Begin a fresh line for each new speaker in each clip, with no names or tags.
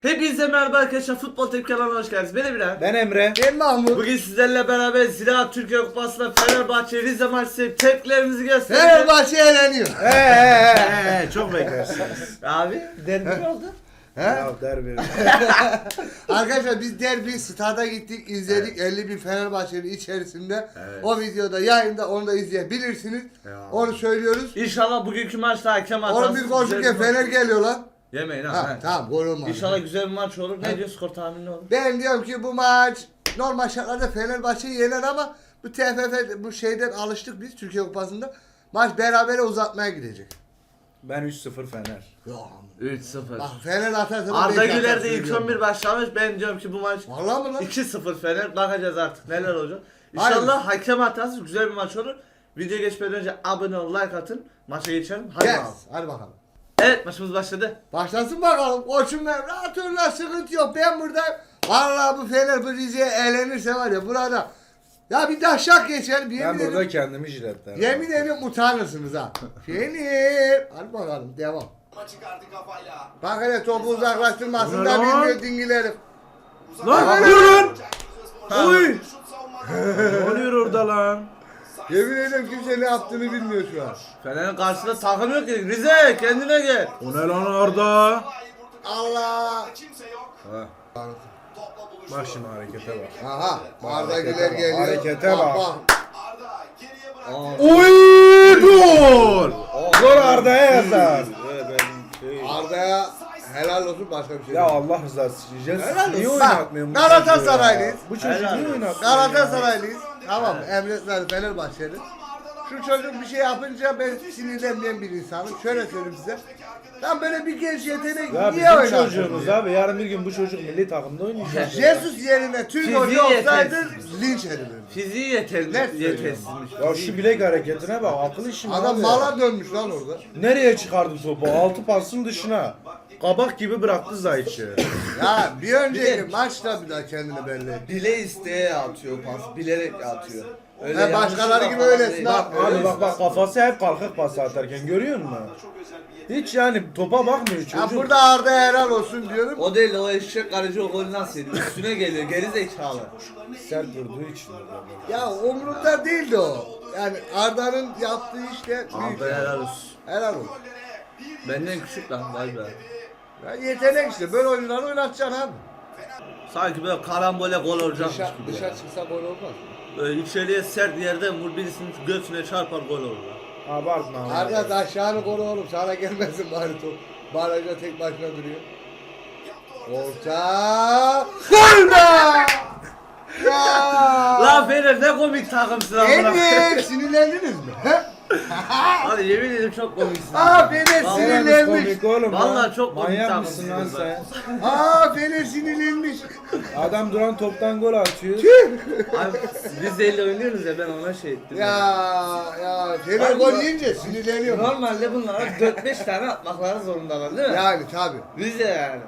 Hepinize merhaba arkadaşlar, Futbol Tepki kanalına hoş geldiniz. Ben Emre.
Ben Emre.
Ben Mahmut.
Bugün sizlerle beraber Ziraat Türkiye Kupası'nda Fenerbahçe Rize maçı tepkilerimizi göstereceğiz.
Fenerbahçe eğleniyor.
Çok beklersiniz.
Abi derbi mi oldu?
Ya derbi.
Arkadaşlar biz derbi stada gittik, izledik. 50.000 Fenerbahçe'nin içerisinde.
Evet.
O videoda yayında, onu da izleyebilirsiniz. Onu söylüyoruz.
İnşallah bugünkü maçta hakem hatası.
11 golcüke Fener geliyor lan.
Yemeyin ha.
Ha, tamam gol olmaz.
İnşallah güzel bir maç olur. Ne diyor, skor tahmini olur?
Ben diyorum ki bu maç normal şartlarda Fenerbahçe'yi yener ama bu TFF bu şeyden alıştık biz Türkiye Kupası'nda. Maç berabere uzatmaya gidecek.
Ben 3-0 Fener.
Ya,
3-0.
bak Fener atarsa
Arda
beş
Güler
atar,
de ilk
söylüyorum.
11 başlamış. Ben diyorum ki bu maç
Vallahi mı lan?
2-0 Fener. Bakacağız artık neler olacak.
Hayır.
İnşallah hakem hatası güzel bir maç olur. Video geçmeden önce abone ol, like atın. Maça geçelim. Hadi
Yes.
bakalım.
Hadi bakalım.
Evet, maçımız başladı.
Başlasın bakalım. Koçum ben rahat ol lan, sıkıntı yok. Ben buradayım. Vallahi bu Fener bu Rize'ye eğlenirse var ya burada. Ya bir daha şak geçer.
Ben burada kendimi jiletlerim.
Yemin ediyorum utanırsınız ha. Fener. Hadi bakalım devam. Bak hele topu uzaklaştırmasın da
Lan.
bilmiyor dingilerim.
Lan durun! Oy! Ne oluyor orada lan?
Yemin ediyorum kimse ne yaptığını bilmiyor şu an.
Fener'in karşısında takım yok ki. Rize kendine gel.
O ne lan Arda?
Allah.
Ha, bak şimdi harekete bak.
Aha. Arda Güler geliyor.
Harekete bak.
Aa,
Oy! Gol! Gol Arda'ya yazar.
Arda'ya helal olsun, başka bir şey
Ya
değil.
Allah rızası için.
Helal
Niye
olsun.
oynatmıyor bu
Galatasaraylıyız.
çocuğu ya? Bu çocuğu
Helal
niye
olsun.
oynatmıyor?
Galatasaraylıyız. Tamam, Emre Fenerbahçeli. Şu çocuk bir şey yapınca ben sinirlenmeyen bir insanım. Şöyle söyleyeyim size. Lan böyle bir genç yetenek
Ya
niye
bizim
oynar?
çocuğumuz abi. Yarın bir gün bu çocuk milli takımda oynayacak.
Jesus yerine Türk
Fiziği
hoca olsaydı
yetersiz.
linç edilir.
fiziği yetersizmiş.
Ya şu bilek hareketine bak. Akıl işi mi
Adam
abi?
mala dönmüş lan orada.
Nereye çıkardı topu? Altı pasın dışına. Kabak gibi bıraktı Zayt'ı.
Ya bir önceki maçta bir daha kendini belli etti.
Bile isteye atıyor pas, bilerek atıyor.
He, başkaları gibi öylesin ha.
Abi bak kafası hep kalkık pas atarken görüyor musun? Hiç yani topa bakmıyor
Ya
çocuk.
burada Arda helal olsun diyorum.
O değil, o eşek aracı o golü nasıl yedi? Üstüne geliyor, geri zekalı.
Sert vurduğu için.
Ya umurumda değildi o. Yani Arda'nın yaptığı işte büyük.
Arda helal olsun.
Helal olsun.
Benden küçük lan, vay be.
Ya yetenek işte, böyle oyunları oynatacaksın abi.
Sanki böyle karambole gol olacakmış gibi.
Dışarı çıksa gol olmaz.
Böyle içeriye sert yerden vur, birisinin göğsüne çarpar, gol olur.
Abartma abi.
Arda da aşağını koru oğlum, sana gelmesin bari top. Barajda tek başına duruyor. Orta. Gol be! Ya!
Lan Fener ne komik takımsın amına.
Evet, sinirlendiniz mi? He?
Hadi yemin ederim çok komiksin.
Aa Fener
Vallahi
sinirlenmiş.
Komik oğlum
Vallahi
lan.
çok komik
Manyak mısın lan
takımsınız
sen?
Aa Fener sinirlenmiş.
Adam duran toptan gol atıyor.
Abi biz de elle oynuyoruz ya, ben ona şey ettim.
Ya Fener gol yiyince sinirleniyor.
Normalde bunlara 4-5 tane atmakları zorundalar değil mi?
Yani tabi.
Biz de yani.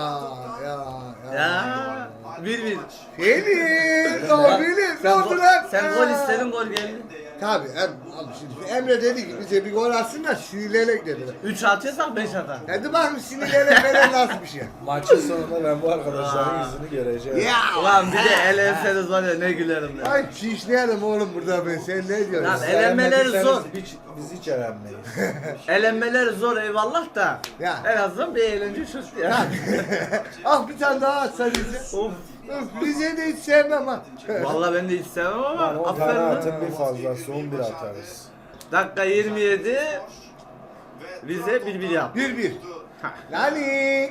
Ya 1-1.
Fener, o bilir, ne oldu lan?
Sen gol istedin, gol geldi.
Tabi, abi şimdi Emre dedi ki bize bir gol atsın da sinirlenek dediler.
3 atıyorsak 5 atar.
Hadi bakayım sinirlenek falan nasıl bir şey.
Maçın sonunda ben bu arkadaşların yüzünü göreceğim.
Ya!
Ulan bir de elenseniz var ya, ne gülerim ya.
Ay şişleyelim oğlum burada ben, sen ne diyorsun?
Lan elenmeleri zor.
Biz hiç elenmeyiz.
Elenmeleri zor eyvallah da.
Ya.
En azından bir eğlence çıktı ya.
Ah bir tane daha atsa bize.
Of.
Öf, Rize'yi de hiç sevmem ha.
Vallahi ben de hiç sevmem ama
Lan 10 tane
aferin lan.
atın bir fazlası 11 atarız.
Dakika 27. Rize 1-1 yaptı.
1-1. Nani?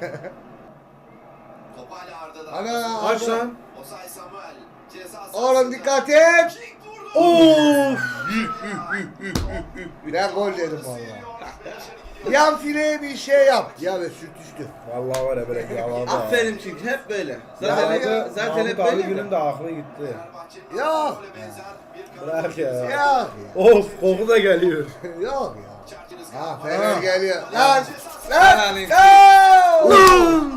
Ana.
Kaç lan?
Oğlum dikkat et.
Of!
Ben gol dedim valla. Yan fileye bir şey yap. Ya ve sürtüştü.
Vallahi var ya böyle yalada.
Aferin çünkü hep böyle. Zaten
Zaten
hep
abi
böyle.
günün de aklı gitti.
Yok.
Bırak ya.
Yok.
Of koku da geliyor.
Yok ya. Ha Fener geliyor. Lan. Lan.
Yani.
Lan.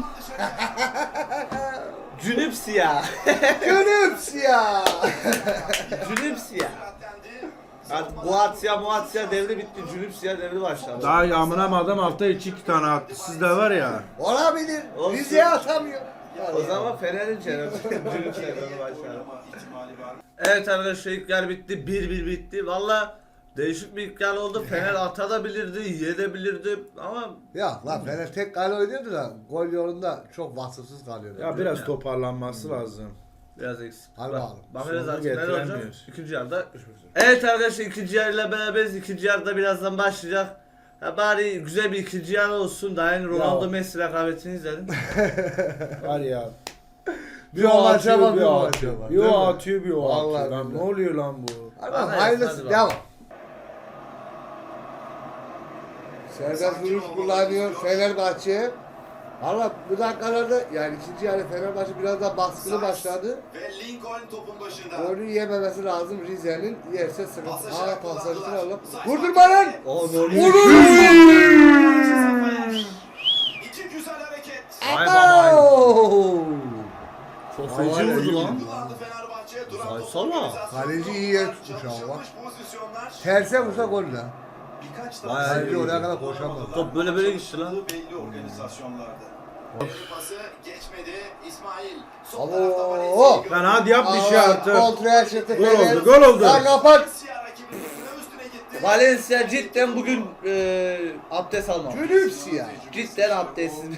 Cünüp siyah.
Gönüps ya.
Cünüp siyah. Artık Muatsya devri bitti. Cünüpsya devri başladı.
Daha yağmına adam hafta içi 2 tane attı. Sizde var ya.
Olabilir.
Olsun.
Rize'ye atamıyor.
O zaman Fener'in çevresi. Cünüpsya devri başladı. Evet arkadaşlar ilk yer bitti. 1-1 bitti. Valla değişik bir ilk yer oldu. Fener atabilirdi, yiyebilirdi ama
Ya lan Fener tek kale oynuyordu da gol yolunda çok vasıfsız kalıyordu.
Ya biraz toparlanması lazım.
biraz eksik.
Hadi bakalım.
Bakacağız
Sonunu
artık neler olacak.
getiremiyor.
İkinci yarıda görüşmek üzere. Evet arkadaşlar ikinci yarıyla beraberiz. İkinci yarıda birazdan başlayacak. Ya bari güzel bir ikinci yarı olsun. Daha yeni Ronaldo
Ya.
Messi rekabetini izledim.
Var ya.
Bir o maça bak,
bir
bir o
o
maça
atıyor.
bak.
Bir o
Değil mi?
atıyor, bir o
Vallahi
atıyor. Lan ne
billahi.
oluyor lan bu?
Ama
Hadi,
hayırlısı
hadi
devam. Serdar Duruş kullanıyor Fenerbahçe. Valla bu dakikalarda yani ikinci yarı Fenerbahçe biraz daha baskılı başladı.
Ve Lincoln topun başında.
Golü yememesi lazım Rize'nin. Yerse sıkıntı. Aa pasajı alalım. Vurdurma lan! Vurur!
İki güzel hareket.
Vay baba.
Abo!
Çok
Vay
feci
be,
vurdu
iyi
lan.
Kullandı Fenerbahçe. Duran
Vay
top
sana.
organizasyonu.
Kaleci iyi yer tutmuş ama bak.
Açılmış pozisyonlar.
Terse vursa gol lan.
Birkaç
Vay
tane
Kaleci oraya kadar koşamadı.
Top böyle gitti lan.
Belli organizasyonlarda. Pası geçmedi. İsmail. Sol
Abo!
tarafta Valencia'yı
Lan hadi yap bir şey artık.
Kontraya çıktı
Gol
Fener.
oldu, gol oldu.
Lan kapat.
Valencia rakibinin üstüne gitti.
Valencia cidden bugün abdest almam.
Cülüps ya.
Cidden abdestsiz.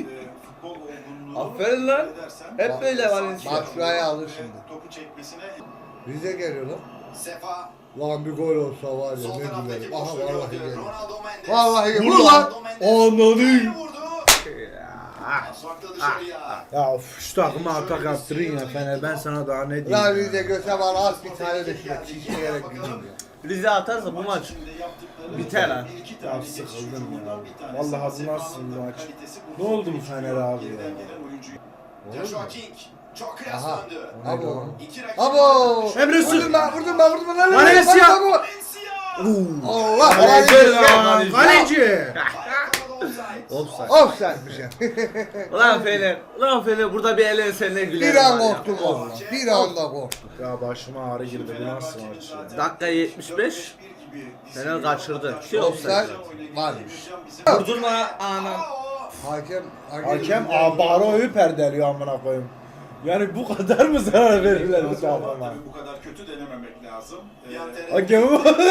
Aferin lan. Hep böyle Valencia.
Bak şuraya alır şimdi.
Topu çekmesine
Rize geliyor lan.
Sefa.
Lan bir gol olsa var ya
Sol
ne
taraftaki
güzel. Aha
boşluğu
vallahi
gördü.
geliyor.
Ronaldo Mendes.
Vallahi geliyor.
Vur
Vur
lan.
lan.
Ronaldo Mendes.
Anladım.
Bir vurdu. Soktu dışarıya.
Ya of, şu takıma atak yaptırın ya Fener. Ben sana daha ne
Lan
diyeyim
Rize
ya.
göse var az bir tane de şuna çişleyerek gidiyorum ya.
Rize atarsa bu maç biter ha.
Ya sıkıldım ya. Vallahi bu nasıl bir maç? Ne oldu bu Fener abi ya?
Joshua King. Çok kıyas
Aha.
döndü.
Abo.
İki rakip.
Abo.
Emre Su-
Vurdurma lan.
Valencia.
Valencia.
Valencia.
Allah
Kaleci
Valencia.
lan, kaleci.
Ayakkabıda offside.
Offside.
Offside'miş ya.
Ulan Fener burada bir ele senle gülerim.
Bir an
var ya.
korktum oğlum. Bir anda korktum.
Ya başıma ağrı girdi, bu nasıl maç ya?
Dakika 75. Fener kaçırdı. Ki offside.
Offside varmış.
Vurdurma anam.
Hakem
Baro'yu perdeliyor amına koyayım. Yani bu kadar mı zarar verirler bu takıma?
Bu kadar kötü denememek lazım.
Hakemi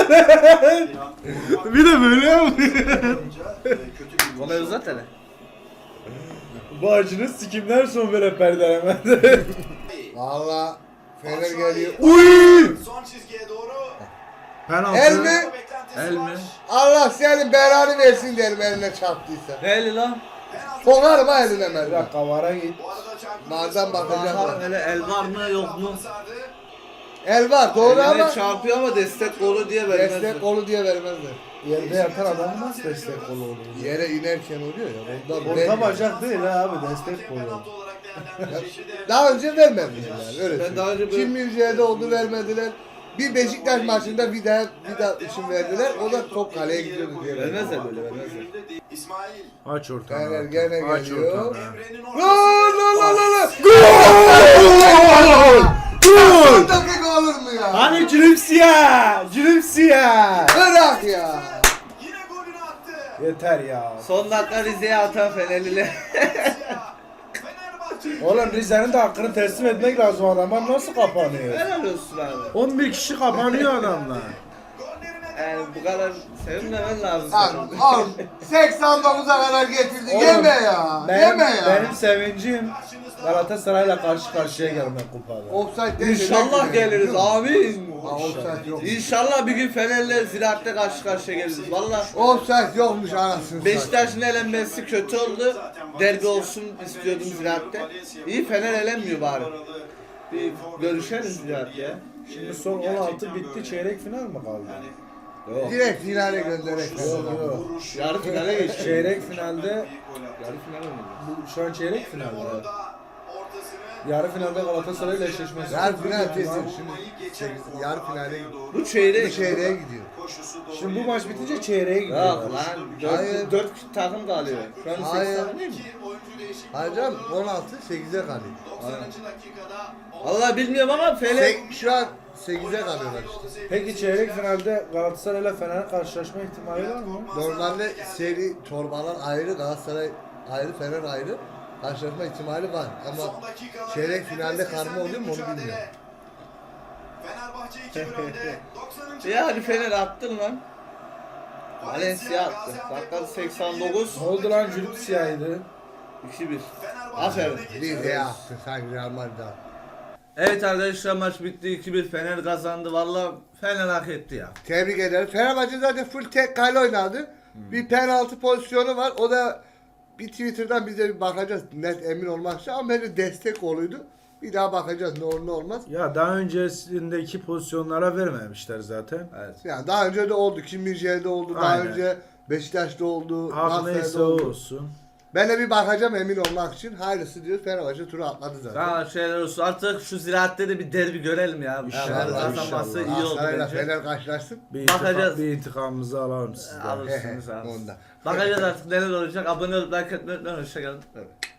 bir de böyle yapıyor.
Gomez zaten.
Bu acının sikimler son böyle perdelemedi.
Valla Fener geliyor.
Uy!
Son çizgiye doğru.
Penaltı.
El mi?
Beklentisi
El mi?
var.
Allah senin belanı versin derim eline çarptıysa.
Neyli lan?
Penaltı.
Sokarım ha eline
Bir
ben.
dakika vara git.
Bu arada çarptı.
Nazan bakacak.
Aha hele el var mı yok mu?
Sardı.
El var doğru ama
Eline çarpıyor ama destek golü diye vermez.
destek kolu diye vermezler.
Yerde yatan adam nasıl destek kolu olur?
Yere inerken oluyor ya. Ondan
Orta
vermiyor.
bacak değil ha abi, destek
Hakem
kolu.
penaltı olarak değerlendirecek.
Daha önce vermediler yani öyle.
Ben daha önce böyle-
Kim Müjde'de oldu vermediler. Bir Beşiktaş maçında bir daha için verdiler. O da top kaleye gidiyordu diye.
Vermezler böyle vermezler.
İsmail.
Aç ortanı.
Fener gene
Aç
geliyor.
ortanı.
Emre'nin
Lan.
Gol! Gol!
10 dakika olur mu ya?
Hani Cülüpsiya! Cülüpsiya!
Bırak ya.
Yine golünü attı.
Yeter ya.
Son dakika Rize'ye atan Fenerliler.
Fenerbahçe.
Oğlum Rize'nin de hakkını teslim etmek lazım, adamlar nasıl kapanıyor?
Helal olsun abi.
11 kişi kapanıyor adamlar.
Gollerine
Yani bu kadar sevinmemen lazım.
Al 89'a kadar getirdi.
Oğlum,
Yeme ya. Yeme ya.
Benim sevincim Galatasaray'la karşı karşıya gelmek kupada.
Offside değil,
İnşallah
demek
geliriz
biliyor musun?
amin.
Ha, offside yok.
İnşallah bir gün Fener'le Ziraat'te karşı karşıya geliriz. Valla
Offside yokmuş anasını satayım.
Beşiktaş'ın elenmesi kötü oldu. Derbi olsun istiyordum Ziraat'te. İyi Fener elenmiyor bari. Bir görüşeriz Ziraat'te ya.
Şimdi son 16 bitti, çeyrek final mi kaldı?
Yok.
Direkt finale gönderek.
Yok yok.
Yarı finale geçti.
Çeyrek finalde,
Yarı finale mi?
şu an çeyrek finalde.
ortasını
Yarı finalde Galatasaray ile eşleşmesi.
Yarı final kesin. Şimdi yarı finale gidiyor.
Bu
Bir
çeyrek.
çeyreğe gidiyor.
Şimdi bu maç bitince çeyreğe gidiyor.
Yok lan.
Hayır.
4 takım kalıyor. Şu an 8
Hayır.
takım değil mi?
Hocam 16 8'e kalıyor.
90. dakikada
Vallahi bilmiyorum ama Fener
Şu an 8'e kalıyorlar işte.
Peki çeyrek finalde Galatasaray ile Fener karşılaşma ihtimali var mı?
Normalde seri torbalar ayrı, Galatasaray ayrı, Fener ayrı. Karşılaşma ihtimali var ama çeyrek finalde karma oluyor mu onu bilmiyorum.
Fenerbahçe 2-1 önde. 90.
ya hadi Fener attın lan. Valencia attı. Dakika 89.
Ne oldu lan Jülük siyahıydı?
2-1. Aferin.
Bir de attı sanki Real Madrid attı.
Evet arkadaşlar maç bitti 2-1 Fener kazandı. Vallahi Fener hak etti ya.
Tebrik ederim. Fenerbahçe zaten full tek kale oynadı. Bir penaltı pozisyonu var. O da bir Twitter'dan bize bir bakacağız. Net emin olmak için ama bence destek oluydu. Bir daha bakacağız ne olur ne olmaz.
Ya daha öncesindeki pozisyonlara vermemişler zaten.
Evet.
Yani daha önce de oldu. Kim Mircele'de oldu. Daha
Aynen.
önce Beşiktaş'ta oldu.
Hak
Galatasaray'da
neyse o
oldu.
olsun.
Ben de bir bakacağım emin olmak için. Hayırlısı diyor. Fenerbahçe turu atladı zaten.
Daha şeyler olsun. Artık şu Ziraat'te de bir derbi görelim ya.
İnşallah,
Fener kazanması
inşallah.
iyi oldu
Galatasaray'la
bence.
Fener karşılaşsın.
Bakacağız.
Bir intikamımızı alalım sizden.
Alırsınız abi.
Ondan.
Bakacağız artık neler olacak. Abone olup like etmeyi unutmayın. Hoşçakalın.
Evet.